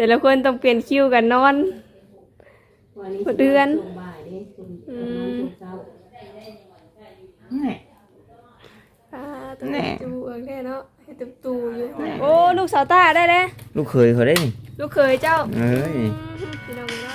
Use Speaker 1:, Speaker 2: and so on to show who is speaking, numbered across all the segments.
Speaker 1: แต่ละคนต้องเปลี่ยนคิวกันนอนเดือนแน่จูแน่เนาะให้ตุ๊ตูอยู่โอ้ลูกสาวตาได้เลย
Speaker 2: ลูกเคยเขาได้นี่
Speaker 1: ลูกเคยเจ้า
Speaker 2: เอ้ย
Speaker 1: พี่น้องเนาะ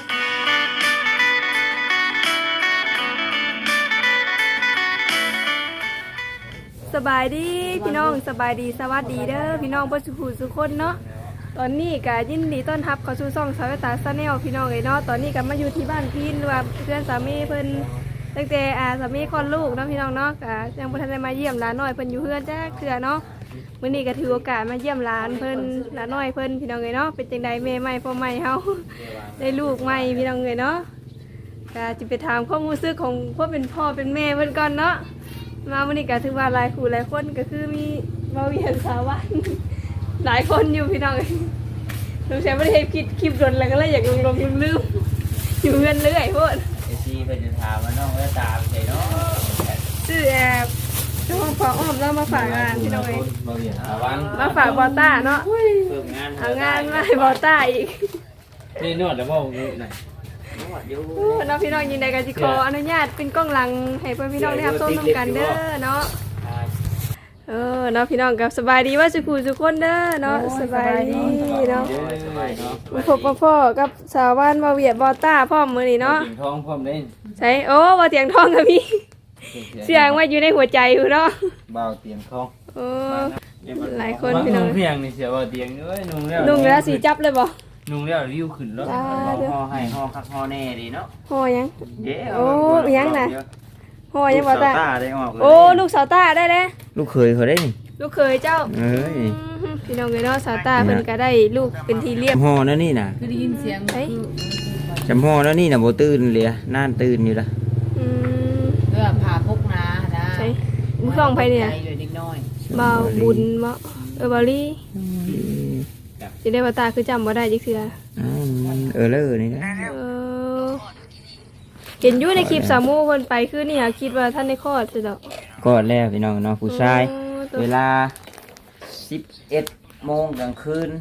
Speaker 1: สบายดีพี่น้องสบายดีสวัสดีเด้อพี่น้องผู้สุขสุขคนเนาะตอนนี้ก็ยินดีต้อนรับเข้าสู่ช่องสาวตาชาแนลพี่น้องเนาะตอนนี้ก็มาอยู่ที่บ้านพี่ว่าเพื่อนสามีเพิ่นตั้งแต่สามีคลอดลูกเนาะพี่น้องเนาะก็ยังบ่ทันได้มาเยี่ยมหลานน้อยเพิ่นอยู่เพื่อนจ้าเทื่อเนาะมื้อนี้ก็ถือโอกาสมาเยี่ยมหลานเพิ่นหลานน้อยเพิ่นพี่น้องเนาะเป็นจังได๋แม่ใหม่พ่อใหม่เฮาได้ลูกใหม่พี่น้องเนาะก็จะไปถามความรู้สึกของพวกเป็นพ่อเป็นแม่เพิ่นก่อนเนาะมาวันนี้ก็ถือว่าหลายคู่หลายคนก็คือมีมาเวียนสาวันหลายคนอยู่พี่น้องลุงแชมป์ไม่ได้คลิปโดนอะไรก็เลยอยากลงลืมอยู่เงินเรื่อยพวก
Speaker 2: ไอซีเพิ่นจะถามว่าน้องเวตาเป็นไงเนาะ
Speaker 1: ชื่อแอบน้องพออ้อมแล้วมาฝากงานพี่น้องเองมาฝากบอต้าเนาะเอางานมาให้บอต้าอีก
Speaker 2: นี่นวดแล้วบ่ไหน
Speaker 1: น้องพี่น้องยินดีกับจิโกอนุญาตเป็นกล้องหลังให้เพื่อนพี่น้องได้รับชมน้ำกันเด้อเนาะเนาะพี่น้องกับสบายดีว่าสุขุสุขคนเด้อเนาะสบายดีเนาะมาพบพ่อกับสาวบ้านมาเวียดบอต้าพ่อมือนี่เนาะ
Speaker 2: เตียงทองพร้อมเล่น
Speaker 1: ใช่โอ้บอเตียงทองกับพี่เสียงว่าอยู่ในหัวใจอยู่เนาะ
Speaker 2: เบาเตียงทอง
Speaker 1: หลายคนพี่น้อง
Speaker 2: เพียงนี่เสียเบาเตียงเอ้ยนุ่ง
Speaker 1: แล้วสีจับเลยบ่
Speaker 2: นุ่งแล้วริ้วขึ้นแล้วห่อให้ห่อคักห่อแน่ดีเนาะ
Speaker 1: ห่อยังโอ้ยังน่ะห่อยังบอต้าโอ้ลูกสาวต้าได้เลย
Speaker 2: ลูกเคยเขาได้นี่
Speaker 1: ลูกเคยเจ้า
Speaker 2: เอ้ย
Speaker 1: พี่น้องเนาะสาวตาเพิ่นก็ได้ลูกเป็นทีเรียบ
Speaker 2: ห่อแล้วนี่น่ะ
Speaker 3: คือได้ยินเสียง
Speaker 2: จำห่อแล้วนี่น่ะบ่ตื่นเลยน่านตื่นอยู่ละ
Speaker 3: ผ่าพกนานะ
Speaker 1: ใช่มือคล้องไปเนี่ยเบาบุญบ่บาลี่สิได้บ่ตาคือจำบ่ได้จักเทื่อ
Speaker 2: เลยนี่นะ
Speaker 1: เห็นอยู่ในคลิปสามูเพิ่นไปคือนี่หาคิดว่าท่านได้คลอดซิดอก
Speaker 2: คลอดแล้วพี่น้องเนาะผู้ชายเวลา11 โมงกลางคืน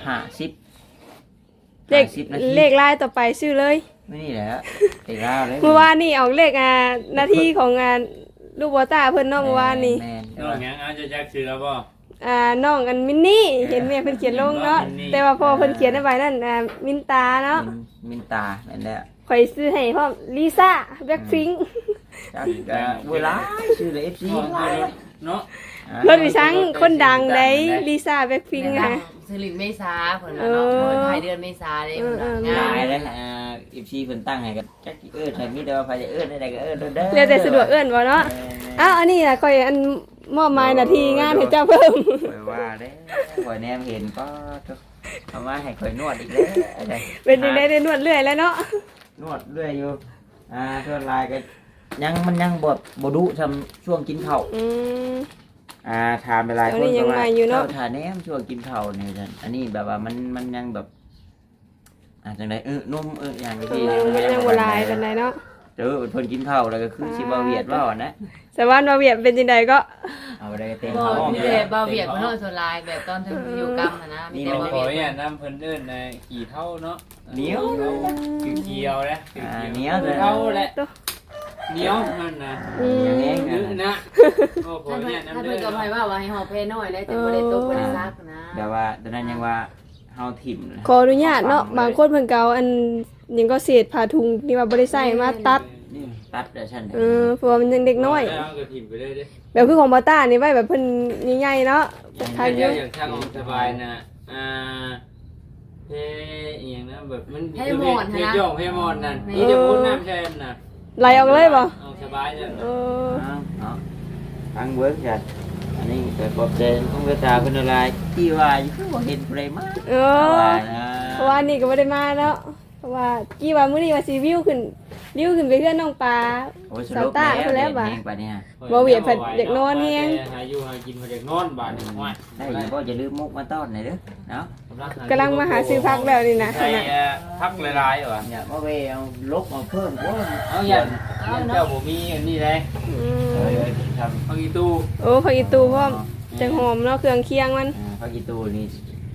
Speaker 2: 50
Speaker 1: เลขลายต่อไปชื่อเลย
Speaker 2: ไม่นี่แหละเลขลายเลย
Speaker 1: เมื่อวานนี่ออกเลขนาทีของงานลูกบอต้าเพิ่นเนาะเมื่อวานนี่
Speaker 2: น้องยังจะแจ็คชื่อแล้วบ่
Speaker 1: น้องอันมินนี่เห็นแม่เพิ่นเขียนลงเนาะแต่ว่าพอเพิ่นเขียนไว้นั่นมินตาเนาะ
Speaker 2: มินตานั่นแหละ
Speaker 1: ข่อยซื้อให้พร้อมลิซ่าแบล็คพิงค์
Speaker 2: เวลาชื่อเลย FC เนาะ
Speaker 1: รถวิชังคนดังได้ลิซ่าแบล็คพิงค์ค่ะ
Speaker 3: สิริเมษาเพิ่นเนาะภายเดือนเมษาได้
Speaker 2: ง่ายเลยFC เพิ่นตั้งให้กับจักให้มีแต่ว่าไผจะได้ก็เด้อ
Speaker 1: เรียกแต่สะดวกบ่เนาะอันนี้ล่ะข่อยอันมอบหมายหน้าที่งานให้เจ้าเพิ่ม
Speaker 2: ข่อยว่าเด้ข่อยแนมเห็นก็เอามาให้ข่อยนวดอีกแล้ว
Speaker 1: เป็นจังได๋ได้นวดเรื่อยแล้วเนาะ
Speaker 2: นวดเรื่อยอยู่เท่าไรก็มันยังบ่ดุทำช่วงกินข้าวทานไปหลายคนก็ว่าทานแหนมช่วงกินข้าวนี่ท่านอันนี้แบบว่ามันยังแบบจังไดนุ่มอย่างที่
Speaker 1: ยังบ่ลายปานใดเนาะ
Speaker 2: เพิ่นกินข้าวแล้วก็คือสิบ่เวียดว่านะ
Speaker 1: สวรรค์บ่เวียดเป็นจังไดก็
Speaker 2: เอาได้เต็ม
Speaker 3: ท้องนี่แหละบ่เวียดเพิ่นเฮาส่วนลายแบบตอนที่อยู่กรรมนะ
Speaker 2: มีแต่บ่เวียดเนี่ยน้ำเพิ่นเอิ้นในกี่เท่าเนาะเหนียวเกี่ยวนะเหนียวเท่าแหละเหนียวนั่นนะอย่างนี้นะ
Speaker 3: โอ้โหเนี่ยน้ำเดือดถ้าเพิ่นก็ให้ว่าให้ห่อเพน้อยแล้วแต่บ่ได้ตกบ่ได้ซักนะ
Speaker 2: แต่ว่าตอนนั้นยังว่าเฮาถิ่ม
Speaker 1: ขออนุญาตเนาะบางคนเพิ่นเก่าอันยังก็เศษผ้าถุงที่ว่าบ่ได้ใส่มาตัด
Speaker 2: เดี๋ยวฉัน
Speaker 1: เพราะมันยังเด็กน้อยแบบคือของบอต้านี่ไว้แบบเพิ่นใหญ่ๆเนาะ
Speaker 2: ทางเยอะอย่างช่างสบายนะเฮ้ยอย่างนั้นแบบมัน
Speaker 3: ให้หมอนนะ
Speaker 2: ให้หมอนนั่นนี่จะพูดน้ำแช่น่ะ
Speaker 1: ไหลออกเลยบ่
Speaker 2: สบายจังทางเวิร์กจ้ะอันนี้เกิดบอกเจนของเวตาเป็นอะไรที่ว่าอยู่ก็เห็นอะไรมาก
Speaker 1: เพราะว่านี่ก็ไม่ได้มาแล้วเพราะว่ากี่ว่ามื้อนี้ว่าสิวิวขึ้นไปเพื่อนน้องปลาสาวตาเพิ่นแล้วบ่บ่เวียดเพิ่นเด็กนอนแฮง
Speaker 2: หาอยู่หากินเด็กนอนบ้านนี่ว่าได้บ่จะลืมมุกมาต้อนหน่อยเด้อเนาะ
Speaker 1: กำลังมาหาซื้อผักแล้วนี่นะ
Speaker 2: ผักหลายๆว่ะเนี่ยบ่เวเอาลกมาเพิ่มบ่เอาอย่างเจ้าบ่มีอันนี้เลยทำผักอีตู
Speaker 1: ผักอีตูพร้อมจังหอมเนาะเครื่องเคียงมัน
Speaker 2: ผักอีตูนี่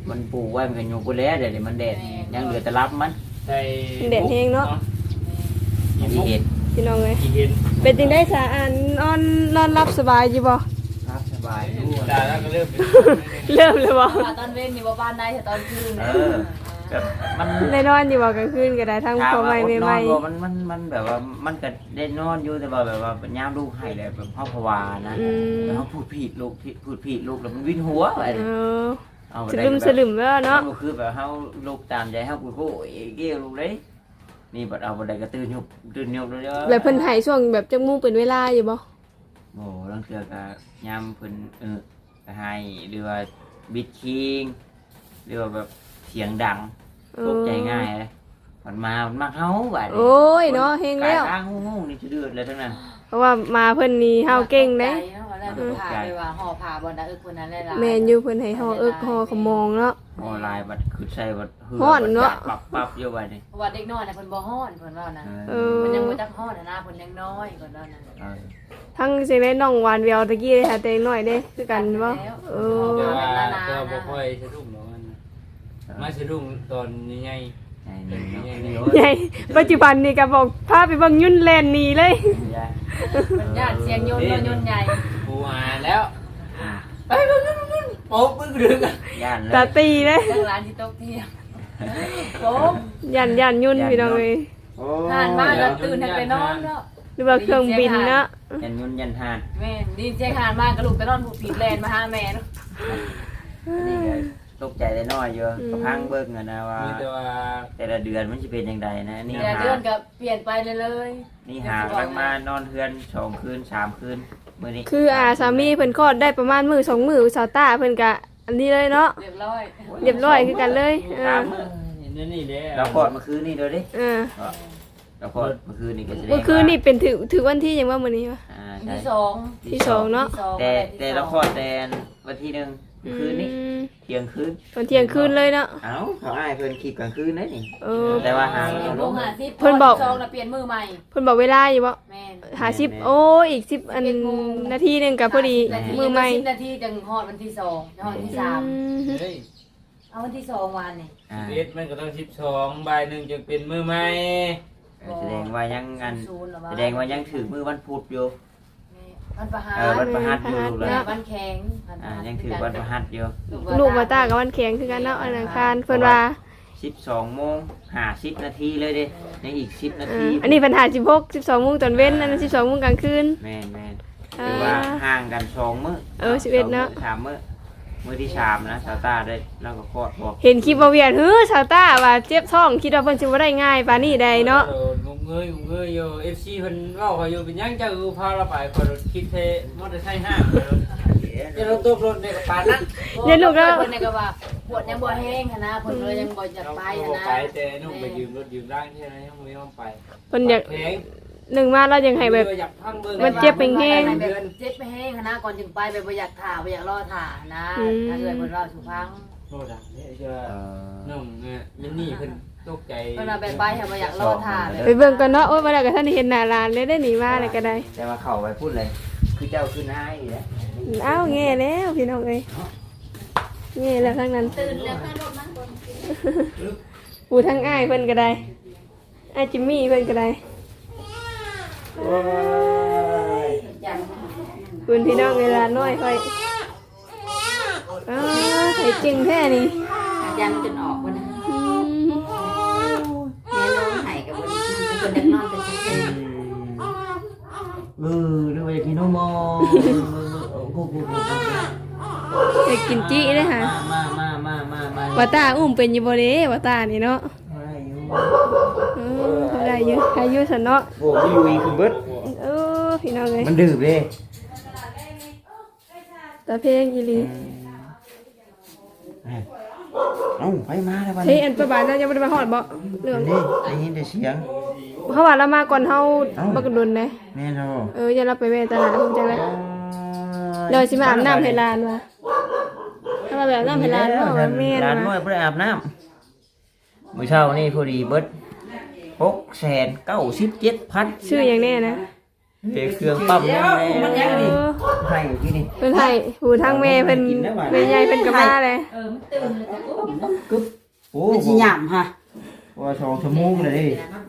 Speaker 2: มันปลูกไว้มันก็อยู่กูแล้วเดี๋ยวมันแดดยังเหลือแต่รับมัน
Speaker 4: ใส่
Speaker 1: แดดแห้งเนาะ
Speaker 2: ที่เห็ด
Speaker 1: พี่น้องเอ้ย
Speaker 4: อีเห็น
Speaker 1: เป็นจังได้สะอันนอนรับสบายอยู่บ่
Speaker 2: รับสบายดู
Speaker 4: ตาแล้วก็เริ่มเป็น
Speaker 1: เริ่มเลยบ่
Speaker 3: ตอนเว้นนี่บ่บ้านได้แต่ตอนคืน
Speaker 2: แบบมัน
Speaker 1: ได้นอนอยู่บ่กลางคืนก็ได้ทั้งพ่อใหม่แม่ใหม่
Speaker 2: มันแบบว่ามันก็ได้นอนอยู่แต่ว่าแบบว่าย่ามลูกให้เลยแบบพ่อภาวานะแล้วเขาพูดผิดลูกแล้วมันวิ่นหัวไป
Speaker 1: เออสลึมแล้วเนาะ
Speaker 2: คือแบบเขาลูกตามใจเขาพูดโอ้ยเกี้ยวลูกเลยนี่บัดเอาบัดใดก็ตื่นหยบเลยเด้อ
Speaker 1: แล้วเพิ่นให้ช่วงแบบจักมู่เป็นเวลาอยู่บ่
Speaker 2: โอ้ลังเทือก็ย่ามเพิ่นก็ให้หรือว่าบิดคิงหรือว่าแบบเสียงดังตกใจง่ายเลยมันมาเฮาบัด
Speaker 1: โอ้ยเนาะเฮงแล้ว
Speaker 2: กายงูนี่จะเดือดเลยทั้งนั้น
Speaker 1: เพราะว่ามาเพิ่นนี่เฮาเก่งเด้
Speaker 3: แล้วผ่าไปว่าห่อผ่าบนดาคนนั้นได้ละ
Speaker 1: แม่นอยู่เพิ่นให้ฮอเอิกฮอขมองเนาะ
Speaker 2: ออนไลน์บัดคือใส่บัด
Speaker 1: ฮ้อนเนาะ
Speaker 2: ปับอยู่บัดนี่
Speaker 3: เพราะว่าเด็กน้อยน่ะเพิ่นบ่ฮ้อนเพิ่นว่านะ
Speaker 1: เออ
Speaker 3: เพิ่นยังบ่จักฮ้อนนะเพิ่นยังน้อยเพิ่นว่านะ
Speaker 1: ทั้งสิได้น้องหวานแววตะกี้เลยค่ะแต่น้อยเด้คือกันบ่เออ
Speaker 4: แต่ว่าก็บ่ค่อยสะดุ้งหรอกมันมาสะดุ้งตอนใหญ่
Speaker 1: ใหญ่ปัจจุบันนี่ก็บอกพาไปเบิ่งยุ่นแลนหนีเลย
Speaker 3: เพิ่นญาติเสียงโยนโยนใหญ่
Speaker 4: กูอ่านแล้วไปโป๊บมึงดึง
Speaker 2: ย่านเลย
Speaker 1: ตาตีเลย
Speaker 3: ทางร้านที่โต๊ะเที่ยงโป๊บ
Speaker 1: ยันยุ่นพี่น้องเอ้ย
Speaker 3: ทานมาแล้วตื่นให้ไปนอนเนาะ
Speaker 1: หรือว่าเครื่องบินเนาะ
Speaker 2: ยันยุ่นยันหาน
Speaker 3: แม่ดีเจ๊ทานมากระลูกไปนอนผูกผิดแลนมาหาแม่เนาะ
Speaker 2: นี่ก็ตกใจได้น้อยเยอะก็พังเบิ่งนะว่า
Speaker 4: มีแต่ว่า
Speaker 2: แต่ละเดือนมันจะเป็นยังไงนะนี่
Speaker 3: เดือน
Speaker 2: หา
Speaker 3: เดือนก็เปลี่ยนไปเลย
Speaker 2: นี่หาบางมานอนเฮือน2 คืน 3 คืนมื้อนี้
Speaker 1: คือสามีเพิ่นคลอดได้ประมาณมื้อ2 มื้อสาวตาเพิ่นก็อันนี้เลยเนาะ
Speaker 3: เรียบร้อย
Speaker 1: เรียบร้อยคือกันเลยเออ
Speaker 2: 3 มื้อ
Speaker 4: นี่เด้
Speaker 2: เราคลอดเมื่อคืนนี่เด้อดิ
Speaker 1: เออ
Speaker 2: เราคลอดเมื่อคืนนี่ก็แสดง
Speaker 1: เมื่อคืนนี่เป็นถือวันที่หยังว่ามื้อนี้วะ
Speaker 2: ใช่
Speaker 3: ที่สอง
Speaker 1: ที่สองเนาะ
Speaker 2: แต่เราคลอดแต่วันที่1คืนนี้เที่ยงคืน
Speaker 1: ตอนเที่ยงคืนเลยเนาะ
Speaker 2: เอ้าเขาอ้ายเพิ่นคลิปกลางคืนนั่นนี่
Speaker 1: เออ
Speaker 2: แต่ว่าหา
Speaker 3: ลง50
Speaker 1: เพิ่นบอก
Speaker 3: สองแล้วเปลี่ยนมือใหม่
Speaker 1: เพิ่นบอกเวลาอยู่บ่
Speaker 3: แม่น
Speaker 1: 50โอ้อีก10อันนาทีหนึงก็พอดีมือใหม่
Speaker 3: 10นาทีจังฮอดวันที่2ฮอดวันที่3
Speaker 4: เฮ้ย
Speaker 3: เอาวันที่2วันนี่
Speaker 4: เอ็ดมันก็ต้อง12บ่ายหนึ่งจึงเป็นมือใหม่
Speaker 2: แสดงว่ายังอัน
Speaker 3: 0แล้ว
Speaker 2: แสดงว่ายังถือมือวันพุธอยู่
Speaker 3: วันประหาร
Speaker 2: วันประหัสอยู่เลย
Speaker 3: วันแข็ง
Speaker 2: ยังถือวันประหัสอยู่
Speaker 1: ลูกมาตากับวันแข็งคือกันเนาะวันอังคารเพิ่นว่า
Speaker 2: 12:50 นาทีเลยเด้ในอีก10 นาที
Speaker 1: อันนี้ปัญหา16 12โมงตอนเว้นอันนั้น12โมงกลางคืน
Speaker 2: แม่นหรือว่าห่างกัน2 มื้อ
Speaker 1: 11เนาะ
Speaker 2: 3 มื้อที่3นะสาวตาได้แล้วก็คลอดบอก
Speaker 1: เห็นคลิปบ่เวียนชาวต้าว่าเจ็บท้องคิดว่าเพิ่นสิบ่ได้ง่ายปานนี้ได้เนาะ
Speaker 4: งงเงยอยู่ FC เพิ่นเว้าเขาอยู่เป็นยังเจ้าพาเราไปคนคิดเทมอเตอร์ไซค์ห้างจะรถตู้รถเนี่ยปานนั้น
Speaker 1: เดี๋ยวลูกแล้ว
Speaker 3: เพิ่นก็ว่าปวดยังบ่แห้งนะเพิ่นเลยยังบ่อยากไปนะ
Speaker 4: ไปแต่นุ่มไปยืมรถยืมร่างที่ไหนยังไม่ยอมไป
Speaker 1: เพิ่นอยาก
Speaker 4: แพง
Speaker 1: หนึ่งมาแล้วยังให้แบบ
Speaker 4: อยากพังเบิ่ง
Speaker 1: มันเจ็บแห้ง
Speaker 3: เจ็บไปแห้งนะก่อนจึงไปแบบบ่อยากถ่าบ่อยากรอถ่านะถ้าเกิดเพิ่นรอสุพัง
Speaker 4: โน่นอ่ะเนี่ยจะนุ่มเนี่ยมินนี่เพิ่นตกใจ
Speaker 3: เพิ่นเอาไปไปให้บ่อยากรอถ่าเลย
Speaker 1: ไปเบิ่งกันเนาะโอ้ยบ่ได้ก็ท่านได้เห็นหน้าร้านเลยได้หนีมาเลยก็ได้
Speaker 2: แต่ว่าเข้าไปพูดเลย คือเจ้าคือนายอยู่แล้ว
Speaker 1: อ้าวแง่แล้วพี่น้องเอ้ยแง่แล้วทั้งนั้น
Speaker 3: ตื่นแล้วข้างรถมันคน
Speaker 1: ปูทั้งอ้ายเพิ่นก็ได้อ้ายจิมมี่เพิ่นก็ได้
Speaker 3: ยัน
Speaker 1: คุณพี่น้องเวลาน้อยค่อยไข่จริงแท้นี่
Speaker 3: ยันจนออกบ่นะ
Speaker 1: อืม
Speaker 3: แม่น้องไห้กับบ่เป็นคนเด็กนอนแต่เช้า
Speaker 2: ดูไปกินนมกู
Speaker 1: อยากกินจี้เลยค่ะ
Speaker 2: มา
Speaker 1: ว่าตาอุ้มเป็นอยู่บ่เด้ว่าตานี่เนาะได้เยอะอายุสันเนาะ
Speaker 2: โอ้ยลุยคือเบิด
Speaker 1: พี่น้องเลย
Speaker 2: มันดื่มเลย
Speaker 1: ตาเพลงอีหลี
Speaker 2: เอ้าไปมาแล้ววัน
Speaker 1: เฮ้ยอันประบาทน่าจะไม่ได้มาหอดบ่เรื่อง
Speaker 2: นี้ได้ยินแต่เสียง
Speaker 1: เขาว่าเรามาก่อนเฮาบักดุนนะ
Speaker 2: แม่นบ่
Speaker 1: อย่าเราไปแม่ตลาดผมจังเลยเดี๋ยวสิมาอาบน้ำให้หลานว่ะถ้ามาแบบน้ำให้หลานเนาะว่าแม่น
Speaker 2: ร้านน้อ
Speaker 1: ว่ะ
Speaker 2: ยบ่ได้อาบน้ำมื้อเช้านี่พอดีเบิด697,000
Speaker 1: ชื่ออย่างแน่นะ
Speaker 2: เฮ็ดเครื่องปั๊ม
Speaker 3: เดี๋ยวมันยังนี่
Speaker 2: ให้อยู่ที่นี่
Speaker 1: เพิ่นให้หูทางแม่เพิ่นแม่ใหญ่เพิ่นก็มาเลย
Speaker 3: มันตื่นเลยแต่ก็
Speaker 2: กึ๊บโอ้
Speaker 3: มันสิหยามฮะ
Speaker 2: ว่า2ชั่วโมงเลยดิ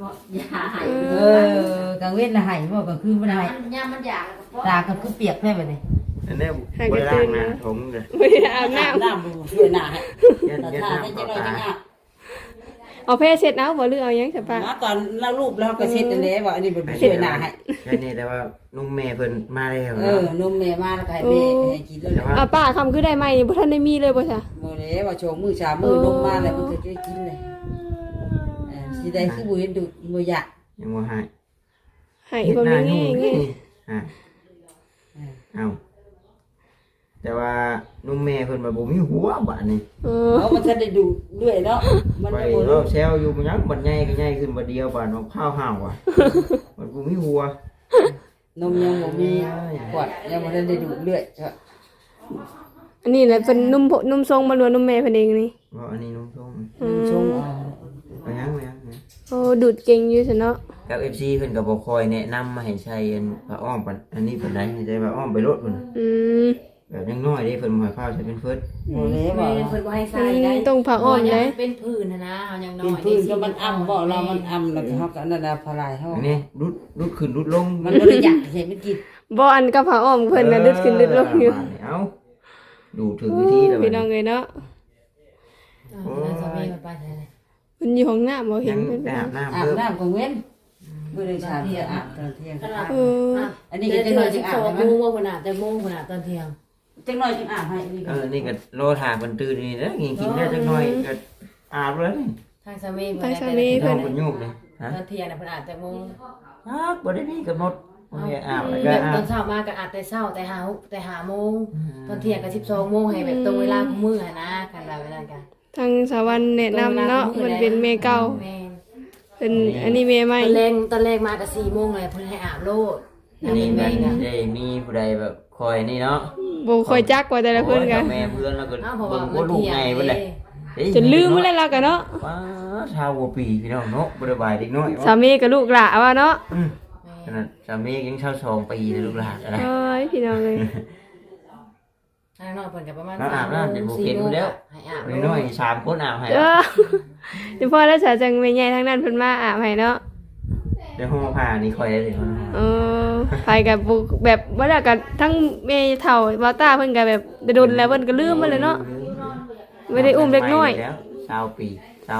Speaker 3: กลางเว้นละหายบ่กลางคืนบ่ได้หายยามมันอยากตาก็คือเปียกแม่บัดนี้
Speaker 2: อันนี้บ่ได้ล้างหน้าถงเลย
Speaker 1: ไม่ได้อาบน้
Speaker 3: น้ำช่วยหน้าให้
Speaker 2: ยัน
Speaker 3: แต่
Speaker 2: ยัน
Speaker 3: ถ้า
Speaker 2: น้ำ
Speaker 3: จะ
Speaker 2: เข้า
Speaker 3: น้อย
Speaker 2: ตา
Speaker 3: จะยาก
Speaker 1: ำเอาเพศเสร็จเอาบ่หรือเอายังใช่ปะ
Speaker 3: ตอนเรารูปแล้วก็เช็ดอันนี้ว่าอันนี้เป็นช่วยหน้าให้
Speaker 2: แค่นี้แต่ว่านุ่มแม่เพิ่นมาแล้ว
Speaker 3: นมแม่มาแล้วก็ให้แม่ให้กินแล้ว
Speaker 1: เอาป้าคำคือได้ไหมบ่ทันได้มีเลยบ่จ้ะ
Speaker 3: โมเดว่าโชว์มือชามือนมมาแล้วมันก็จะกินเลยสิได้คือบ่เห็นดูบ่อยาก
Speaker 2: ยังบ่ให้
Speaker 1: ให้บ่มีแง่แง่
Speaker 2: เอาแต่ว่านุ่มแม่เพิ่นมาบ่มีหัวบัดนี้
Speaker 3: เพราะมันจะได้ดูด้วยเนาะมัน
Speaker 2: ไป
Speaker 3: บ่
Speaker 2: รอบแซวอยู่มันยังบัดใหญ่ก็ใหญ่ขึ้นบัดเดียวบัดน้องข้าวห่าวอ่ะมันบ่มีหัวน
Speaker 3: มยังบ่มีขวดยังบ่ได้ดูเรื่อย
Speaker 1: อันนี้แหละเป็นนุ่มทรงบ่รวนนุ่มแม่เพิ่นเองนี่
Speaker 2: บ่อันนี้นุ่มทรง
Speaker 3: ชง
Speaker 2: ไปยัง
Speaker 1: โอ้ดูดเก่งอยู่ซั่นเนาะ
Speaker 2: กับ FC เพิ่นก็บ่ค่อยแนะนำมาให้ใช้อันผ้าอ้อมปานอันนี้เพิ่นได้ให้ใช้ผ้าอ้อมไปรถเพิ่น
Speaker 1: อืม
Speaker 2: แบบยังน้อยเด้เพิ่นบ่ให้ข้าวใช้เป็นเฟิร์ส
Speaker 3: โมเดว่า
Speaker 5: เพิ่นบ่ให้ใส่ได้
Speaker 1: ต้องผ่าอ้อมเลย
Speaker 5: เป็นพื้นนะเฮายังน้
Speaker 3: เป็
Speaker 5: อน ย
Speaker 3: พื้นก็มันอ้ำบ่เรามันอ้ำแล้วเฮาก็นั่นน่ะพลายเฮา
Speaker 2: อันนี้รุดขึ้นรุดลง
Speaker 3: มันบ่ได้อยากเห็นมันกิน
Speaker 1: บ่อันกับผ่าอ้อมเพิ่นน่ะดึดขึ้นดึดลงอยู่
Speaker 2: เอาดูถึงวิธีแล้ว
Speaker 1: พี่น้องเอ้ยเนาะ
Speaker 5: นั่นสามีมันไปใส่เลย
Speaker 1: มันอยู่ห้องน้ำบ่เห็
Speaker 2: ยั
Speaker 1: น
Speaker 2: ง
Speaker 1: เพิ่น
Speaker 2: ได้อาบน้ำ
Speaker 3: อาบ
Speaker 2: เพิ่ม
Speaker 3: น้ำก็เว้นบ่ได้ชาเที่ยงอาบตอนเที่ยง
Speaker 1: เออ
Speaker 3: อันนี้ก็จังน้อยจังอาบ
Speaker 5: 12
Speaker 3: ให้
Speaker 5: โม
Speaker 3: มัน
Speaker 5: งว่าพุ่นน่ะแต่โมงพุ่นน่ะตอนเที่ยง
Speaker 3: จังน้อยจังอาบให้อันนี้ก็
Speaker 2: นี่ก็โลถามันตื่นนี่นะกินได้จักหน่อยก็อาบเลย
Speaker 5: ทางสามี
Speaker 1: ทางสามี
Speaker 2: น้องเพิ่นโยกเลยฮะ
Speaker 5: ตอนเที่ยงน่ะเพิ่นอาบแต่โมง
Speaker 2: บ่ได้มีกำหนดบ่ให้อาบแล้วก็
Speaker 5: แบบ
Speaker 2: อา
Speaker 5: ตอบ นเช้ามาก็อาบแต่เช้าแต่5โมงตอนเที่ยงก็12 โมงให้แบบตรงเวลาของมื้อหั่นนะกันว่าเวลากัน
Speaker 1: ทางสวรรค์แนะนำเนาะมันเป็นเมเก่า
Speaker 5: แม่น
Speaker 1: เป็นอันนี้เมใหม่
Speaker 5: ตอนแรกมาก็4 โมงเลยเพิ่นให้อาบโลด
Speaker 2: อันนี้มันได้มีผู้ใดแบบคอยนี่เนาะ
Speaker 1: บ่ค่อยจักว่าแต่ละเพิ่นกัน
Speaker 2: แม่เพื่อนแล้วก็
Speaker 5: อ้าวเพราะ
Speaker 2: เบิ่
Speaker 5: ว่าง
Speaker 2: บ่ลูกไงเพิ่นแหละ
Speaker 1: จนลืมแล้วล่ะกันเนาะ
Speaker 2: ว้าชาวกว่าปีพี่น้องเนาะบ่ได้บายเด็กน้อย
Speaker 1: สามีกับลูกหลานว่าเนาะ
Speaker 2: ขนาดสามียังชาว2ปีเลยลูกหลานอะไร
Speaker 1: เอ้ยพี่น้องเลย
Speaker 5: ทางนอกเพิ่นก็ประมาณ
Speaker 2: อาบน้ำจะบ่
Speaker 5: 4
Speaker 2: เก็น
Speaker 5: โมง
Speaker 2: แล้ว
Speaker 5: ให้อาบ
Speaker 2: เด็กน้อย3คนอาบให้
Speaker 1: เออเดี๋ยวพอแล้วสาจังแม่ใหญ่ทั้งนั้นเพิ่นมาอาบให้เนาะ
Speaker 2: ได้ห่อผ้านี่คอยได้เลยเนาะ
Speaker 1: เออไปกับบุกแบบว่าแล้วก็ทั้งแม่เฒ่าบาวต้าเพิ่นก็แบบโดนแล้วเพิ่นก็ลืมมาเลยเนาะไม่ได้อุ้มเด็กน้อย
Speaker 2: แล้ว20ปี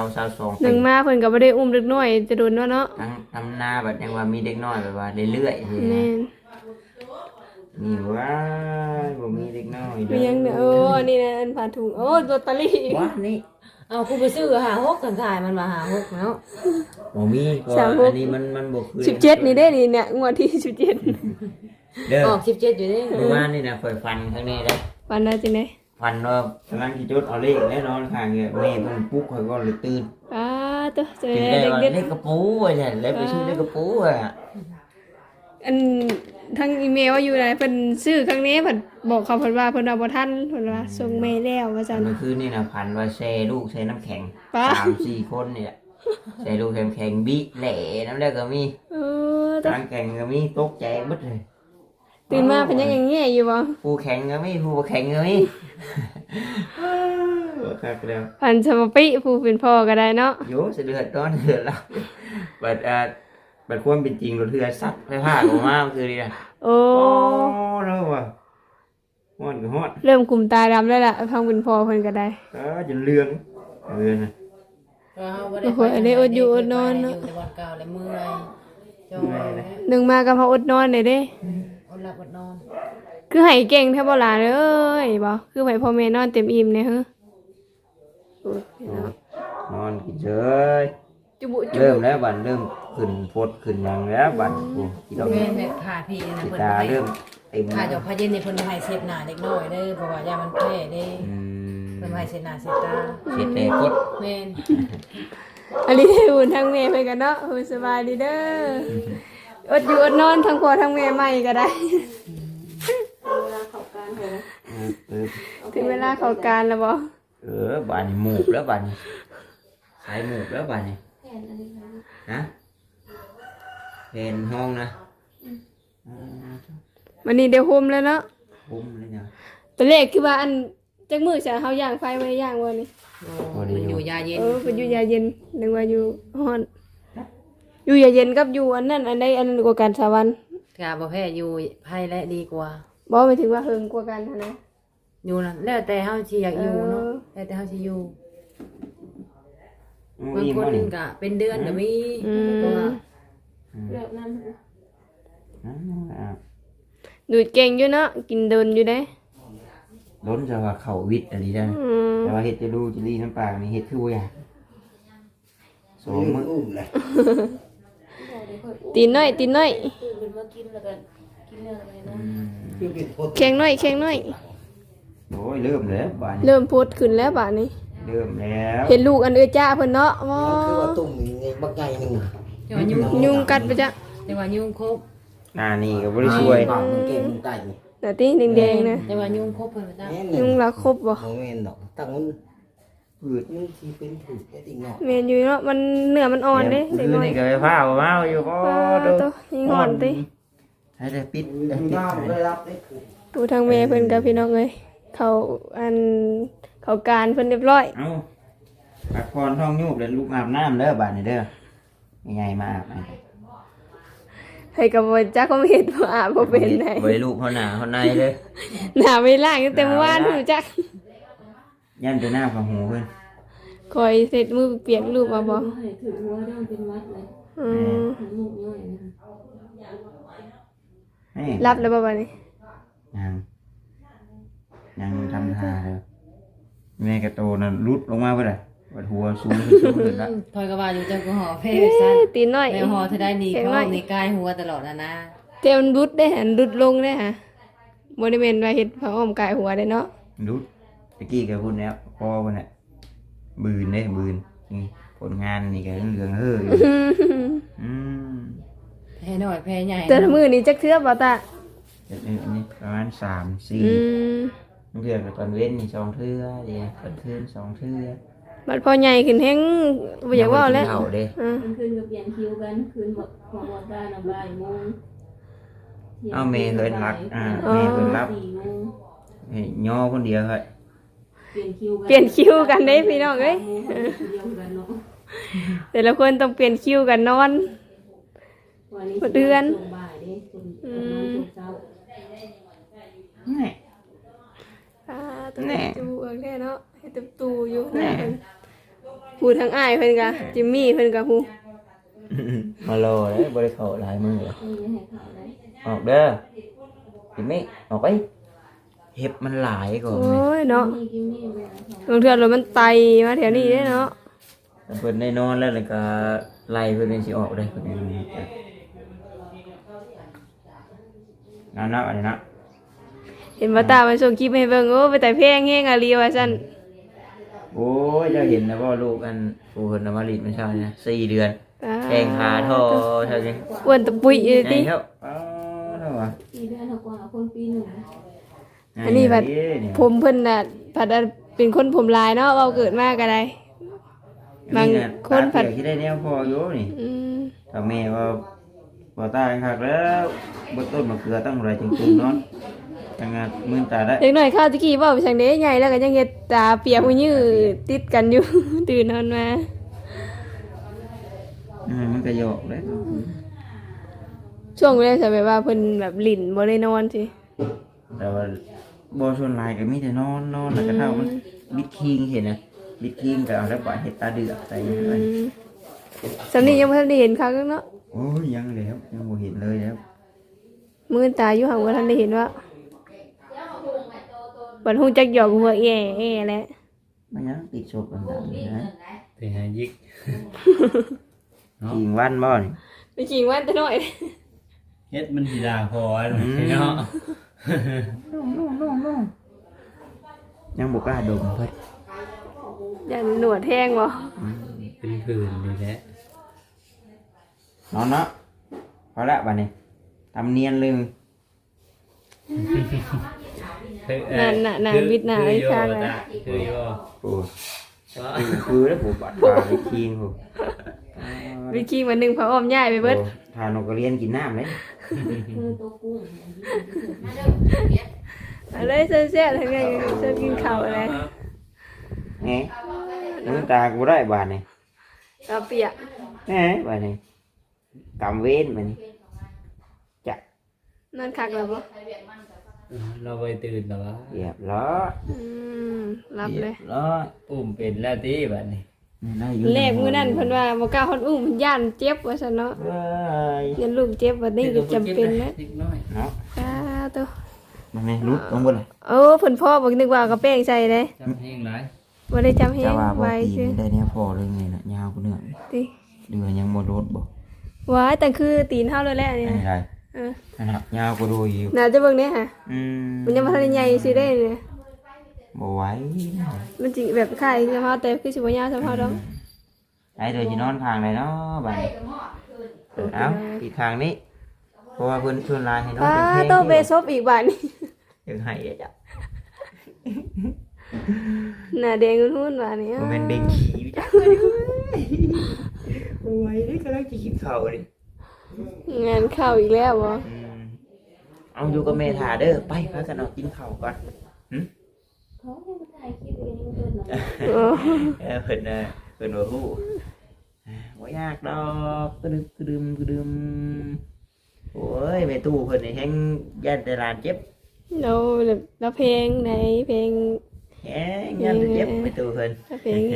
Speaker 2: 22
Speaker 1: ห
Speaker 2: ปี
Speaker 1: นึ่งมาเพิ่นก็บ่ได้อุ้มเด็กน้อยจะโดนเนาะ
Speaker 2: ทั้งทำนาแบบยังว่ามีเด็กน้อยแบบว่าเรื่อยๆ
Speaker 1: แม่น
Speaker 2: นี่ว่าบ่มีเด็กน้อย
Speaker 1: มียังเนี่ยโอ้นี่นะอันผ่าถุงโอ้ลอตเตอรี่
Speaker 2: ว่านี่
Speaker 5: เอากูไปซื้อหา6กันขายมันมาหา6แล้ว
Speaker 2: บ่มีก็อันนี้มันบ่คือ
Speaker 1: 17นี่เด้นี่เนี่ยงวดที่17
Speaker 2: เด้อ
Speaker 5: ออก17อยู่เด้
Speaker 2: เมื่อวานนี่นะข่อยฟันข้างนี้ได้
Speaker 1: วันนั้นจังได๋
Speaker 2: ฟันว่ากำลังสิจุดเอาเลขแน่นอนข้างเนี่ยแม่เพิ่นปลุกข่อยก็เลยตื่น
Speaker 1: อ้าตัวเจอ
Speaker 2: จึงได้ว่า
Speaker 1: เด็ก
Speaker 2: เลขกระปูไว้แหละแล้วไปซื้อเลขกระปูอ่ะ
Speaker 1: ๆอันทางอีเมลว่าอยู่ไหนเพิ่นซื้อครั้งนี้เพิ่นบอกเขาเพิ่นว่าเพิ่นเอาบ่ทันเพิ่นว่าส่งเมลแล้วว่าซั่น
Speaker 2: เมื่อคืนนี่นะพันว่าแช่ลูกแช่น้ำแข็ง
Speaker 1: ป๊า
Speaker 2: 3-4 คนนี่แหละแช่ลูกแข็งบิแหล่น้ำแรกก็มี
Speaker 1: เออตัว
Speaker 2: น้ำแข็งก็มีตกใจเบิดเลย
Speaker 1: ตื่นมาเพิ่นยังแง่อยู่บ่
Speaker 2: ผู้แข็งก็มีผู้บ่แข็งก็มีคักแล้ว
Speaker 1: พันสมปิผู้เป็นพ่อก็ได้เนาะ
Speaker 2: โยสิเดือดร้อนเดือดแล้วบัดความเป็นจริงรถเรือซัดไฟผ้าออกมาคือดีนะ
Speaker 1: โอ้
Speaker 2: แล้วว่ะฮ้อนก็ฮ้อน
Speaker 1: เริ่มกลุ่มตาดำแล้วล่ะพังเป็นพ่อเพิ่นก็ได้
Speaker 2: จนเรืองนะ
Speaker 5: เฮาบ่ได้ไปแต่วันเก่าเลยเมื่อยจอยแล้ว
Speaker 1: หนึ่งมาก็พออดนอนได้เด้
Speaker 5: อดหลับอดนอน
Speaker 1: คือให้เก่งแท้บ่ล่ะเด้อบ่คือให้พ่อแม่นอนเต็มอิ่มเนี่ยฮะโอ้ยพี่น้อง
Speaker 2: นอนกินเฉย
Speaker 1: จุบุจุ
Speaker 2: เริ่มแล้วบัดเริ่มขึ้นปดขึ้นหยังแล้วบัดโอ้กินดอก
Speaker 5: แม่นแบบผ่าพี่นะ
Speaker 2: สิ
Speaker 5: เพิ่น
Speaker 2: ตา
Speaker 5: ให้
Speaker 2: เริ่มเต็ม
Speaker 5: ผ่าจอกพาเย็นนี่เพิ่นให้เสพหน้าเด็กน้อยเด้อเพราะว่ายามันแพ้เด้เพิ่นให้เสพหน้าเสพตา
Speaker 2: เสียแต่กด
Speaker 5: แม่น
Speaker 1: อันนี้ได้อุ่นทั้งแม่เพิ่นกันเนาะโอ้ยสบายดีเด้ออดอยู่อดนอนทั้งพ่อทั้งแม่ใหม่ก็ได้ ถึงเวลาเข้าการแล้วบ่
Speaker 2: บัดนี้หมูกแล้วบัดนี้สายหมูกแล้วบัดนี้ฮะเป็นห้องนะ
Speaker 1: วันนี้เดี๋ยวโฮมแล้วเนาะ
Speaker 2: ผมเลยเนี่ย
Speaker 1: ตัวเลขคือว่าอันจักมื้อจะเฮาย่างไฟไว้ย่างบ่นี่
Speaker 5: มันอยู่ยาเย็น
Speaker 1: เป็นอยู่ยาเย็นนึกว่าอยู่ฮ้อนอยู่ยาเย็นกับอยู่อันนั้นอันใดอันนั้นกว่ากันสาวัน
Speaker 5: กาบ่แพ้อยู่ไผและดีกว่า
Speaker 1: บ่หมายถึงว่าเฮิงกว่ากันหั้นนะ
Speaker 5: อยู่นั่นแล้วแต่เฮาสิอยากอยู่เนาะแล้วแต่เฮาสิอยู่บางคนก็เป็นเดือนก็มีตัว
Speaker 1: ดูดเก่งอยู่เนาะกินเดินอยู่เด้
Speaker 2: ล้นจะว่าเขาวิทย์อะไรได้แต่ว่าเห็ดจะดูจะรีน้ำปลานี่เห็ดคือว่าอยากสองมื้อ
Speaker 1: ตีนน้อย แข็งน้อย
Speaker 2: โอ้ยเริ่มแล้วบ้านนี้
Speaker 1: เริ่มโพดขึ้นแล้วบาดนี้
Speaker 2: เริ่มแล้ว
Speaker 1: เห็นลูกอันเอื้อจ้าเพิ่นเนาะว้า
Speaker 6: คือว่าตุ่มนี่บักใหญ่หนึง
Speaker 5: แต่ว่ายุง
Speaker 1: ยุงกัดไปจ้ะ
Speaker 5: แต่ว่ายุงครบ
Speaker 2: นี่ก็บ่ได้ช่วย
Speaker 6: ปากมันเก่งมันไตนี่
Speaker 1: น่ะติแดงๆนะ
Speaker 5: แต่ว่ายุงครบเพิ่นว่าจ้ะ
Speaker 6: แม่น
Speaker 1: ยุงละครบบ่
Speaker 6: บ่แม่นดอกตั้งมันผืดมันสิเป็นผืดได้ติเนาะ
Speaker 1: แม่นอยู่เนาะมันเนื้อมันอ่อนเด้เด็ก
Speaker 2: คื
Speaker 1: น้
Speaker 2: อ
Speaker 1: อย
Speaker 2: นี่ก็ไปพาเอาอยู่ก็
Speaker 1: โตยิงอ่อนติ
Speaker 2: ให้ได้ปิด
Speaker 6: น้ำได้รับได้ผืด
Speaker 1: ดูทางแม่เพิ่นกับพี่น้องเอ้ยเขาการเพิ่นเรียบร้อย
Speaker 2: เอ้าพักผ่อนท้องยุบแล้วลูกอาบน้ำเด้อบาดนี้เด้อยังไงมาอาบน้ำ
Speaker 1: ให้กับบ่จักความเฮ็ดบ่อาบบ่เป็นไหน
Speaker 2: ไว้ลูกเขาหนาเขาในเลย
Speaker 1: หน้าไม่ล้างตั้งแต่เมื่อวานหูจัก
Speaker 2: ยันตัวหน้าของหูเพื่อน
Speaker 1: คอยเสร็จมือเปียกรูปเอาบ่
Speaker 7: ถือหัวเรื่องเป็นวัดเลย
Speaker 1: อืม
Speaker 7: ลูกย่อยนะ
Speaker 2: นี่
Speaker 1: รับแล้วบ่บัดนี้
Speaker 2: ยังทำท่าเลยแม่กระโตนั่นรุดลงมาเพื่อนวัดหัวสูงขึ้นแล้ว
Speaker 5: ถอยก็ว่าอยู่จังก็ห่อแพ้
Speaker 1: เอ้
Speaker 5: ซั่น
Speaker 1: ยตีนน้อย
Speaker 5: แม่ห่อเธอได้ดีเพราะมีกายหัวตลอดนะ
Speaker 1: เต็มรุดได้หันรุดลงได้ฮะบ่ได้แม่นว่าเฮ็ดผ้าอ้อมกายหัวได้เนาะ
Speaker 2: รุดตะกี้แกพูดแล้วพอวันน่ะบืนเนี่ยบืนนี่ผลงานนี่ก็เรื่องเฮ้ออยู่อืม
Speaker 5: แพ้น้อยแพ้ใหญ่
Speaker 1: แต่ละมื้อนี้จักเทื่อบ่ตา
Speaker 2: เดี๋ยวนี้ประมาณ3-4
Speaker 1: อืม
Speaker 2: เทื่อกับตอนเว้นนี่2เทื่อเดียวตอนคืน2เทื่อ
Speaker 1: บัดพอใหญ่ขึ้นแฮงบ่อยากเว้าแล้ว
Speaker 2: เฒ่าเด้
Speaker 1: อืม
Speaker 7: คืนก็เปลี่ยนคิวกันคืนบอกบทได้นะบ่ายโมง
Speaker 2: เอาเมย์เฮินรักเมย์เฮินรับ
Speaker 7: 4 โมง
Speaker 2: ให้ย่อคนเดียวครับ
Speaker 7: เปลี่ยนคิวกัน
Speaker 1: เปลี่ยนคิวกันเด้พี่น้องเอ้ย
Speaker 7: เดียวกันเนาะ
Speaker 1: แต่ละคนต้องเปลี่ยนคิวกันนอน
Speaker 7: วันนี้
Speaker 1: เดือน
Speaker 7: ช่วงบ่ายเด้ช่วงช่วงเช้า
Speaker 2: นี่
Speaker 1: ตัวแม่จูแค่เนาะเฮ็ดตูอยู่เพิ่นผู้ทั้งอ้ายเพิ่นก็จิมมี่เพิ่นก็ผู้
Speaker 2: มาโลเลยบริเขาหลายมือเลย
Speaker 7: นี่ให้ข่าวได้
Speaker 2: ออกเด้อจิมมี่ออกไปเห็บมันหลายก่อน
Speaker 1: โอ้ยเนาะ
Speaker 7: นี่กินนี่เวลาเขา
Speaker 1: บางเทื่อรถมันไตมาแถวนี้เด้เนาะ
Speaker 2: เพิ่นได้นอนแล้วก็ไล่เพิ่นเป็นสิออกได้เพิ่นนั่นนะอันนี้นะ
Speaker 1: เห็นบ่ตามันส่งคลิปให้เบิ่งโอ้ไปแต่เพลงแฮงอะลีว่าซั่น
Speaker 2: โอ้ยเจ้าเห็นนะว่าลูกอันผู้เพิ่นเอามาลีดมันเช้านี่นะ4 เดือนแข่งขาทอเท่านี้
Speaker 1: อ้วนตะปุยอยู่
Speaker 2: ไง
Speaker 1: ติ
Speaker 2: ครับเท่าว่า
Speaker 7: 4 เดือนกว่าคนปีหนึ่ง
Speaker 1: อันนี้บัดผมเพิ่นน่ะผัดเป็นคนผมลายเนาะเว้าเกิดมาก็ได้ บางคนผัด
Speaker 2: ที่ได้แนวพออยู่นี่
Speaker 1: อืม
Speaker 2: ถ้าแม่ว่าบ่ตายคักแล้วบ่ต้นมะเขือตั้งไรจริงๆเนาะจังงานมื่นตาได้
Speaker 1: เด็กน้อยข้าวตะกี้เว้าไปจังได๋ใหญ่แล้วก็ยังเฮ็ดตาเปียกหูยื้อติดกันอยู่ ตื่นนอนมา
Speaker 2: มันก็โยกเลย
Speaker 1: ช่วงแรกจะแบบว่าเพิ่นแบบหลิ่นบ่ได้นอนสิ
Speaker 2: แต่ว่าบ่ส่วนหลายก็มีแต่นอนแล้วก็เท่ามันบิดคิงเห็นนะบิดคิงก็เอาแล้วปล่อยเฮ็ดตาเดือกใส่ไป
Speaker 1: สำนี้ยังบ่ทันได้เห็นครั้งเนาะ
Speaker 2: โอ้ยยังแล้วยังบ่เห็นเลยแล้ว
Speaker 1: มื้อตาอยู่ห่างบ่ทันได้เห็นว่าบัดฮู้จักหยอกหัวแอ่ๆแหละ
Speaker 2: มันยังติดศพต่างๆนี่นะ
Speaker 4: ไปหายิก
Speaker 2: คิงวันบ่นี่
Speaker 1: ไปขิงว่าแต่น้อย
Speaker 4: เฮ็ดมันสิด่าพอเนาะ
Speaker 2: ยังบ่กล้าดมเพิ่น
Speaker 1: ยันหนวดแห้งบ่
Speaker 4: เป็นผื่นนี่แหละ
Speaker 2: นอนเนาะพอละบัดนี้ทำเนียนเลย
Speaker 1: น่ะวิทย์น่ะไอ้ชาติน่ะ
Speaker 4: คืออยู่
Speaker 2: โอ้คือแล้วผมบัดปลาไปคิงผม
Speaker 1: วิคิงวันหนึงพระอ้อมย้ายไปเบิด
Speaker 2: ทานนกกระเรียนกินน้ำเลย
Speaker 7: คือตัวกุ้ง
Speaker 1: อะไรเสียๆทั้งนั้นจะกินข้าวอะไร
Speaker 2: แหมน้ำตากูได้บาดนี่
Speaker 1: กาเปียก
Speaker 2: แหมบาดนี่กำเว้นบาดนี่จัก
Speaker 1: นั่นคักแล้วบ่
Speaker 4: เราไปตื่นแต่ว่า
Speaker 2: เรียบร้อย
Speaker 1: รับเลย
Speaker 2: ร้อย
Speaker 4: อุ้มเป็นแล้วตีแบบนี้
Speaker 1: แรกมื้อนั้นเพิ่นว่าบ่กล้าฮอดอุ้มย่านเจ็บว่าซั่นเนาะ
Speaker 2: เอ้ย
Speaker 1: ยันลูกเจ็บว่านี่ก็จำเป็นนะ
Speaker 4: นิดน้อย
Speaker 2: เนาะ
Speaker 1: ตัว
Speaker 2: มันไงรุดลงบนเลย
Speaker 1: เออเพิ่นพ่อบอกนึกว่าเอากระแป้งใส่เด้
Speaker 4: จำเพลงหลาย
Speaker 1: บ่ได้จำเฮ็
Speaker 2: จะ
Speaker 1: ด
Speaker 2: ว่าบ่
Speaker 1: ไว้
Speaker 2: ตี
Speaker 1: ซื่อ
Speaker 2: ได้เนี่ยพอเลยไงน่ะยาวกูเนื้อ
Speaker 1: ติ
Speaker 2: เดือยังบ่ลดบ่
Speaker 1: ว้ายแต่คือตีนเฮาเลยแหละนี่
Speaker 2: อันนี้ไร
Speaker 1: เออ
Speaker 2: อันนั้นยาวกูดูอยู่
Speaker 1: น่าจะเบิ่งเด้ค่ะ
Speaker 2: ม
Speaker 1: มันยังบ่ทันได้ใหญ่สิได้เนี่ย
Speaker 2: บ่ไหว
Speaker 1: มันสิแบบคล้ายสภาพแต่คือสิบ่ยาวสภาพดอก
Speaker 2: ไอ้เดี๋ยวสินอนข้างเลยเนาะบัดนี้เอาอีกข้างนี้เพราะว่าเพิ่นชวนลายให้น้อง
Speaker 1: ป้า
Speaker 2: เป็นเพลง
Speaker 1: ต้องไปซบอีกบาดนี้
Speaker 2: ยังให้อ่ะจ้ะ
Speaker 1: หน้าแดงหุ่นๆบาดนี้
Speaker 2: บ่แม่นเบ่งขี้จ้ะบ่ไหวเด้กำลังจะกินข้าวดิ
Speaker 1: งานเข้าอีกแล้วบ่
Speaker 2: เอาอยู่กับแม่ถ่าเด้อไปพากันเอากินข้าวก่อน
Speaker 7: เขาให้มาถ่ายคลิปเองเพิ่นน่ะ
Speaker 1: โอ้
Speaker 2: เพิ่นบ่ฮู้บ่ยากดอกกระดึมโอ้ยแม่ตู้เพิ่นนี่แฮงย่านแต่หลานเจ็บ
Speaker 1: เราแบบเราเพลงไหนเพลง
Speaker 2: แฮงย่านแต่เจ็บแม่ตู้เพิ่น
Speaker 1: เราเพลงเอง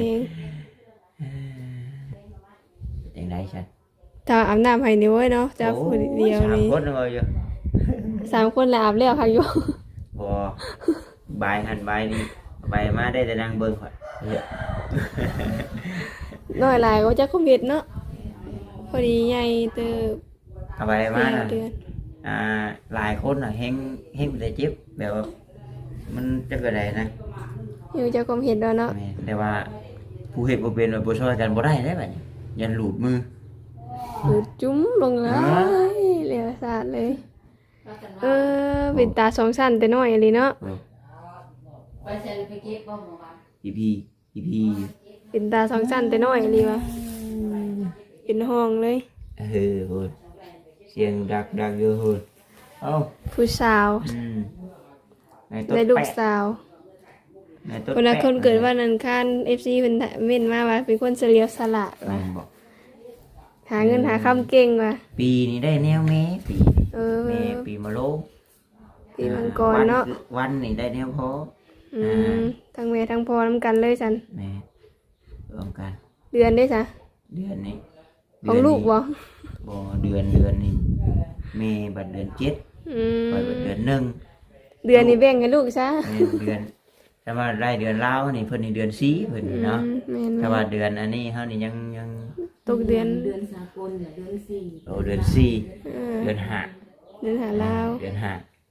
Speaker 2: จังได๋ฉัน
Speaker 1: ถ้าอาบน้ำให้นี่เว้ยเนาะจะผู้เดียว
Speaker 2: สาม
Speaker 1: นี่
Speaker 2: คนเลยอยู่
Speaker 1: 3 คนแล้วอาบแล้วค่ะอยู่
Speaker 2: บ่บายหันบายนี่บายมาได้แต่นั่งเบิ่งข่อยเฮ้ย
Speaker 1: น้อยหลายก็จะคอมเมนต์เนาะพอดีใหญ่เติบ
Speaker 2: เอาบายมาน่ะ
Speaker 1: เดือน
Speaker 2: หลายคนน่ะแฮงแต่เจ็บแบบว่ามันจะเกิดอะไรนะ
Speaker 1: อยู่จะคอมเมนต์แล้วเนาะ
Speaker 2: แม่นแต่ว่าผู้เฮ็ดบ่เป็นว่าบ่ช่วยกันบ่ได้เด้บัดนี้ยันหลุดมือ
Speaker 1: ดูดจุ้มลงเลยเหลือสาดเลย เป็นตาสองชั้นแต่น้อยเลยเนาะ
Speaker 5: ไปเซ็นไปเก็บบ่หมอว่า
Speaker 2: พี่
Speaker 1: เป็นตาสองชั้นแต่น้อยเลยวะเป็นห้องเลย
Speaker 2: โหดเสียงดักอยู่โหดเอ้า
Speaker 1: ผู้สาว
Speaker 2: ในต้น
Speaker 1: ได้ลูก
Speaker 2: แปะ
Speaker 1: สาว
Speaker 2: ในต้น
Speaker 1: คนละ
Speaker 2: แปะ
Speaker 1: คนเกิดวันอังคาร FC เพิ่นเม่นมาว่าเป็นคนเฉลียวฉลาด
Speaker 2: แม่
Speaker 1: ว่ะ
Speaker 2: นบอก
Speaker 1: หาเงินหาคำเก่งว่ะ
Speaker 2: ปีนี้ได้แนวแม่ปีนี้
Speaker 1: เออ
Speaker 2: แม่ปีมะโรง
Speaker 1: ปีมังกรเนาะ
Speaker 2: วันนี่ได้แนวพอ
Speaker 1: ทั้งแม่ทั้งพ่อนํกันเลยจัน
Speaker 2: แม่รวมกัน
Speaker 1: เดือนได้จ้ะ
Speaker 2: เดือนนี้
Speaker 1: ของลูกบ่
Speaker 2: บ่เดือนนี่แม่บัดเดือน7
Speaker 1: อืม
Speaker 2: ปล่อยบัดเดือน1
Speaker 1: เดือนนี้แบ่งให้ลูกซะ
Speaker 2: แม่เดือนถ้าว่าได้เดือนลาวนี่เพิ่นนี่เดือน4เพิ่นนี่เนาะ
Speaker 1: แม่น
Speaker 2: ถ้าว่าเดือนอันนี้เฮานี่ยัง
Speaker 1: ตกเดือน
Speaker 7: เดือนสากลเนี่ยเดือนสี่
Speaker 2: โอ้เดือน4
Speaker 1: เออ
Speaker 2: เดือน5
Speaker 1: เดือนหาลาว
Speaker 2: เดือน5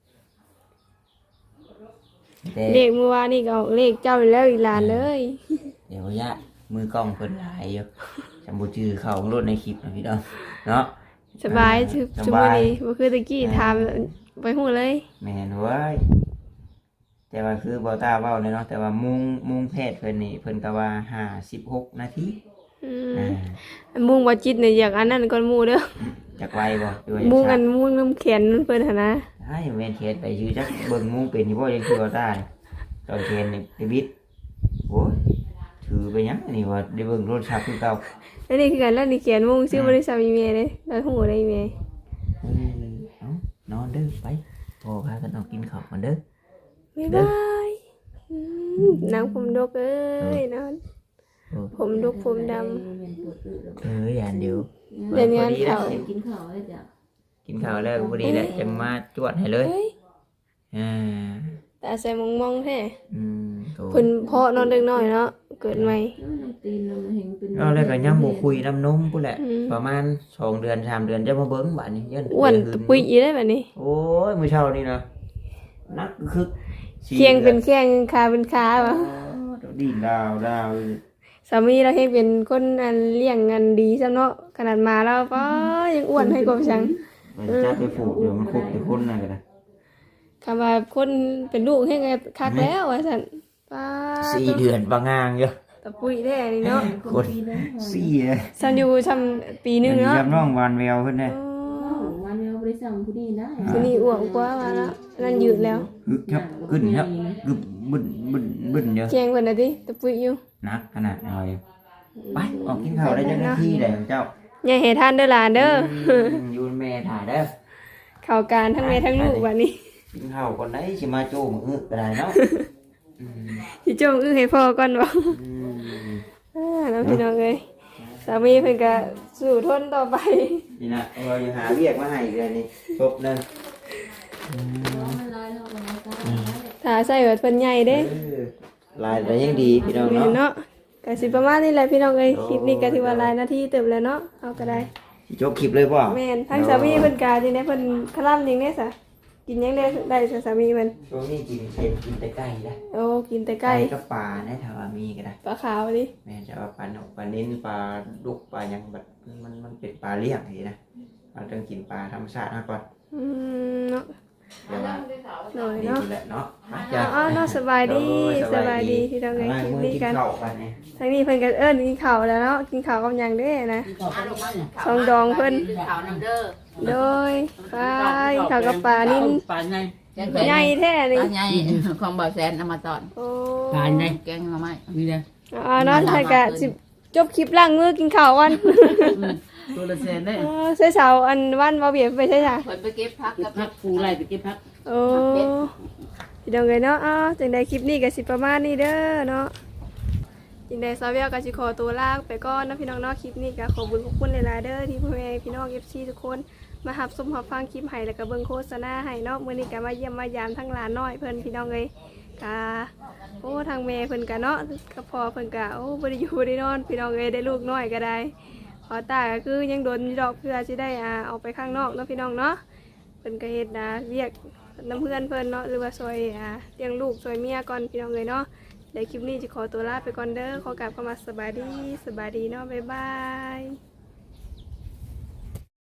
Speaker 2: แต่
Speaker 1: เลขเมื่อวานนี่ก็ออกเลขเจ้าอีกแล้วอีหลานเลย
Speaker 2: เดี๋ยวยะมือกล้องเพิ่นหลายอยู่จำบ่ชื่อเขาของรถในคลิปนะพี่น้องเนาะ
Speaker 1: สบายชุบ
Speaker 2: ส
Speaker 1: ชุบ
Speaker 2: บาย
Speaker 1: นี้บ่คือตะกี้ถามไปหูเลย
Speaker 2: แม่นเว้ยแต่ว่าคือบ่ตาเว้าเลยเนาะแต่ว่ามุงแพทย์เพิ่นนี่เพิ่นก็ว่า56นาที
Speaker 1: อืม
Speaker 2: อ่า
Speaker 1: มุงว่าจิตเนี่ยอยากอันนั้นก่อนหมู่เด้อ
Speaker 2: จักไวบ่ด้วย
Speaker 1: มุงอันมุงน้ำแขนเพิ่นหั่นนะ
Speaker 2: ให้แม่นเขียนไปชื่อจักเบิ่งมุงเป็นอยู่บ่ยังคือบ่ตานี่ตอนเขียนนี่ไปบิดโอ้ยถือไปหยังนี่ว่าได้เบิ่งโทรศัพท์คือเก่า
Speaker 1: แล้วนี่คือกันแล้วนี่เขียนมุงชื่อบริษัทอีเมลเลยแล้วหูได้อีเมล
Speaker 2: เออเอานอนเด้อไปพอพากันเอากินข้าวกันเด้อ
Speaker 1: บ๊ายบายนางผมดกเอ้ยนอน
Speaker 2: โอ้
Speaker 1: ผมดกผมด
Speaker 2: อย่าเดี๋ยว
Speaker 1: เดี๋ยวงานเขา
Speaker 7: กินข้าวแล้วจ้ะ
Speaker 2: กินข้าวแล้วก็พอดีแหละจังมาจวดให้เลย
Speaker 1: เฮ้ย
Speaker 2: อ่า
Speaker 1: ตาใส่มองๆแท้
Speaker 2: โต
Speaker 1: เพิ่นเพาะนอนเด็กน้อยเนาะเกิดใหม่
Speaker 7: น้ำตีนเราเห็นเป็น
Speaker 2: เอาแล้วก็ยังบ่คุยน้ำนมพุ่นแหละประมาณ2เดือน3เดือนจะมาเบิ่งบัดนี้ยัน
Speaker 1: อ้วนตะปุยอีได้แบบนี้
Speaker 2: โอ้ยมื้อเช้านี่นะนักคึก
Speaker 1: เคียงเป็นแข้งขาเป็นขาบ่ะ
Speaker 2: ดีดาว
Speaker 1: สามีเราเฮ็ดเป็นคนอันเลี้ยงอันดีซะเนาะขนาดมาแล้วป้ายังอ้วนให้กว่าจัง
Speaker 2: มันจับไปผูกเดี๋ยวมันคุกแต่คนน่ะก็ได้
Speaker 1: คำว่าคนเป็นลูกให้ไงคักแล้วว่าซั่นป้า
Speaker 2: 4เดือนบางงางอยู่
Speaker 1: ตะปุยแท้นี่เนาะ
Speaker 2: คน4
Speaker 1: ซันอยู่ทำปีหนึงเนาะ
Speaker 2: จำน้องวานแววเพิ่นได้
Speaker 1: อ๋อ
Speaker 7: วันเดียวบ่ได้สั่งผู้นี้ได้
Speaker 1: คือนี่อ้วกกว่าว่าละนั่นยืดแล้ว
Speaker 2: ฮึกครับขึ้นครับกึบบึ้นเยอะ
Speaker 1: แกงเพิ่นน่ะติตะปุยอยู่
Speaker 2: นักขนาดเอาอยู่ไปออกกินข้าวได้จังนาทีได้เจ้า
Speaker 1: อย่าให้ทานเด้อหลานเด้อ
Speaker 2: อยู่แม่ถ่ายเด้อ
Speaker 1: เข้าการทั้งแม่ทั้งลูกบัดนี้
Speaker 2: กินข้าวก่อนได้สิมาโจ้มือก็ได้เนาะ
Speaker 1: สิจงให้พ่อก่อนบ่น้องพี่น้องเอ้ยสามีเพิ่นก็สู้ทนต่อไป
Speaker 2: นี่นะเราอยู่หาเรียกมาให้เดือนนี้ครบนึง
Speaker 7: มันลายเนาะมันลาย
Speaker 1: ถ้าใส่แบบเพิ่นใหญ่เด้
Speaker 2: ลายแต่ยังดีพี่น้อง
Speaker 1: แม่
Speaker 2: เนาะ
Speaker 1: นเนาะก็สิประมาณนี้แหละพี่น้องเอ้ยคลิปนี้ก็ถือว่าหลายนาทีเติบแล้วเนาะเอาก็ได้
Speaker 2: สิจบคลิปเลยป่ะ
Speaker 1: แม่นทั้งสามีเพิ่นกาจังได๋เพิ่นคลั่นจังได๋ซะกินหยังได้ซะสามีเพิ่น
Speaker 2: ช่วงนี้กินเค็มกินแต่ไก่นะ
Speaker 1: โอ้กินแต่ไก่
Speaker 2: กับปลานะถ้าว่ามีก็ได้
Speaker 1: ปลาขาวดิ
Speaker 2: แม่จะว่าปลาหนกปลานิ้นปลาดุกปลาหยังแบบมันเป็นปลาเลี้ยงนี่นะเราต้องกินปลาธรรมชาติมาก่อน
Speaker 1: เนาะ
Speaker 2: เดี๋ยวว่า
Speaker 1: หน่อย
Speaker 2: นี่
Speaker 1: เนาะ
Speaker 2: แหละเนาะ
Speaker 1: อ๋อเนาะสบายดีสบายดีที่เราไงคลิปนี้กัน
Speaker 2: ข้าวกันเนี่ย
Speaker 1: ทั้งนี้เพิ่นก็เอิ้นกินข้าวแล้วเนาะกินข้าวกับหยังเด้นะ
Speaker 3: ขอบคุณมากเนี่ย
Speaker 1: ซองดองเพิ่น
Speaker 3: ข่าวน้ำเด้อ
Speaker 1: โดยไปข้าวกับปลานิ่น
Speaker 4: ปลาไง
Speaker 1: ใหญ่แท้นี่
Speaker 3: ปลาใหญ่ของบ่าวแสนเอามาตอน
Speaker 1: โอ้
Speaker 4: ปลาไง
Speaker 3: แกงหน่อไม้
Speaker 4: นี่นะ
Speaker 1: อ๋อเนาะถ้าก็สิจบคลิปล้างมือกินข้าววัน
Speaker 4: ตัวละแสนได้
Speaker 1: ใส่เสาอันวันบ่เบียดไปใช่จ้ะ
Speaker 3: เพิ่นไปเก็บผักกับ
Speaker 4: พักปูไล่ไปเก็บพัก
Speaker 1: โอ้พี่น้องเอ้ยเนาะอ๋อจังได๋คลิปนี้ก็สิประมาณนี้เด้อเนาะจังได๋ซาเวียก็สิขอตัวลาไปก่อนนะพี่น้องเนาะคลิปนี้ก็ขอบคุณหลายๆเด้อที่พ่อแม่พี่น้อง FC ทุกคนมารับชมรับฟังคลิปให้แล้วก็เบิ่งโฆษณาให้เนาะมื้อนี้ก็มาเยี่ยมมายามทั้งหลานน้อยเพิ่นพี่น้องเอ้ยก็โอ้ทางแม่เพิ่นก็เนาะก็พ่อเพิ่นก็โอ้บ่ได้อยู่บ่ได้นอนพี่น้องเอ้ยได้ลูกน้อยก็ได้พอตาก็คือยังโดนอยู่ดอกเพื่อสิได้ออกไปข้างนอกเนาะพี่น้องเนาะเพิ่นก็เฮ็ดเรียกน้ำเพื่อนเพิ่นเนาะหรือว่าช่วยเลี้ยงลูกช่วยเมียก่อนพี่น้องเอ้ยเนาะในคลิปนี้จะขอตัวลาไปก่อนเด้อขอกราบเข้ามาสบายดีเนาะบ๊ายบาย